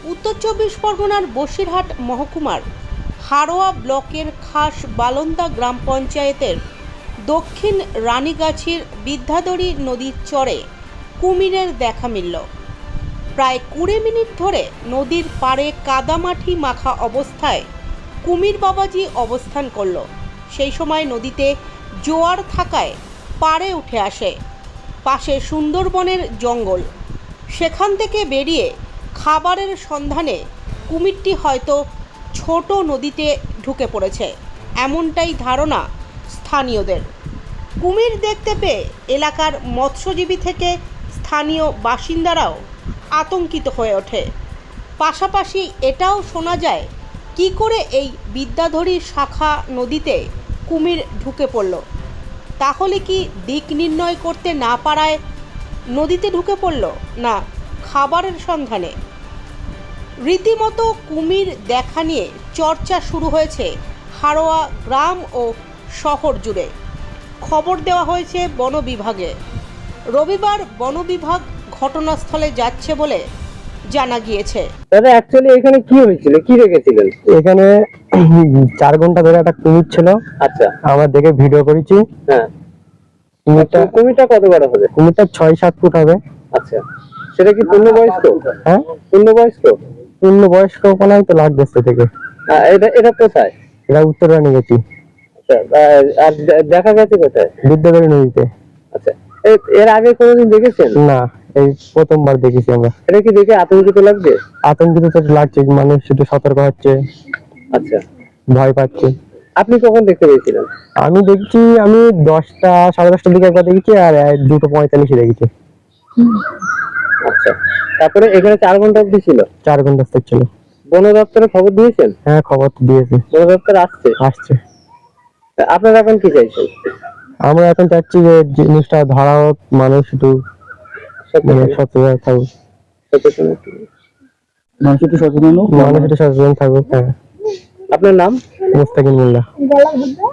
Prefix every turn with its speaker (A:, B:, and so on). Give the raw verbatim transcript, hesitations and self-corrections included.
A: উত্তর চব্বিশ পরগনার বসিরহাট মহকুমার হাড়োয়া ব্লকের খাস বালন্দা গ্রাম পঞ্চায়েতের দক্ষিণ রানীগাছির বিদ্যাধরী নদীর চরে কুমিরের দেখা মিলল। প্রায় কুড়ি মিনিট ধরে নদীর পাড়ে কাদামাটি মাখা অবস্থায় কুমির বাবাজি অবস্থান করল। সেই সময় নদীতে জোয়ার থাকায় পাড়ে উঠে আসে। পাশে সুন্দরবনের জঙ্গল, সেখান থেকে বেরিয়ে খাবারের সন্ধানে কুমিরটি হয়তো ছোট নদীতে ঢুকে পড়েছে, এমনটাই ধারণা স্থানীয়দের। কুমির দেখতে পেয়ে এলাকার মৎস্যজীবী থেকে স্থানীয় বাসিন্দারাও আতঙ্কিত হয়ে ওঠে। পাশাপাশি এটাও শোনা যায়, কি করে এই বিদ্যাধরী শাখা নদীতে কুমির ঢুকে পড়ল। তাহলে কি দিক নির্ণয় করতে না পারায় নদীতে ঢুকে পড়ল, না খাবারের সন্ধানে? রীতিমতো কুমির দেখা নিয়ে চর্চা শুরু হয়েছে হাড়োয়া গ্রাম ও শহর জুড়ে। খবর দেওয়া হয়েছে বন বিভাগে। রবিবার বন বিভাগ ঘটনাস্থলে যাচ্ছে বলে জানা গিয়েছে।
B: দাদা, অ্যাকচুয়ালি এখানে কি হয়েছিল, কি রেখেছিলেন?
C: এখানে চার ঘন্টা ধরে একটা কুমির ছিল।
B: আচ্ছা,
C: আমরা দেখে ভিডিও করেছি।
B: হ্যাঁ,
C: কুমিরটা
B: কুমিরটা কত বড় হবে?
C: কুমিরটা ছয় সাত ফুট হবে।
B: আচ্ছা, সেটা কি পূর্ণবয়স্ক?
C: হ্যাঁ,
B: পূর্ণবয়স্ক।
C: পূর্ণ বয়স্ক কোনায় তো লাগতেছে থেকে।
B: আহ, এটা এটা কোথায়?
C: এটা উত্তর রানী গেছি।
B: আচ্ছা, আহ, আর দে- দেখা গেছে কোথায়?
C: বিদ্যাধরী নদীতে।
B: আচ্ছা, এ- এর আগে কোনোদিন দেখেছেন?
C: না, এই প্রথমবার দেখেছি আমরা।
B: এটা কি দেখে আতঙ্কিত লাগবে?
C: আতঙ্কিত তো লাগছে, মানুষ শুধু সতর্ক হচ্ছে,
B: আচ্ছা,
C: ভয় পাচ্ছে।
B: আপনি কখন দেখতে পেয়েছিলেন?
C: আমি দেখছি, আমি দশটা সাড়ে দশটার দিকে একবার দেখেছি, আর এই দুটো পঁয়তাল্লিশে দেখেছি।
B: আচ্ছা, তারপরে এখানে চার ঘন্টা অবধি ছিল?
C: চার ঘন্টা ছিল।
B: বন দপ্তরে খবর দিয়েছেন?
C: হ্যাঁ, খবর তো দিয়েছে,
B: বন দপ্তর আসছে।
C: আসছে।
B: তা আপনারা এখন কি চাইছেন?
C: আমরা এখন চাচ্ছি যে জিনিসটা ধরা হোক, মানুষ একটু মানে সচেতন থাকুক,
B: সচেতন একটু।
C: মানুষ একটু সচেতন হোক, মানুষ একটু সচেতন থাকুক। হ্যাঁ।
B: আপনার নাম?
C: মুস্তাকিম মোল্লা।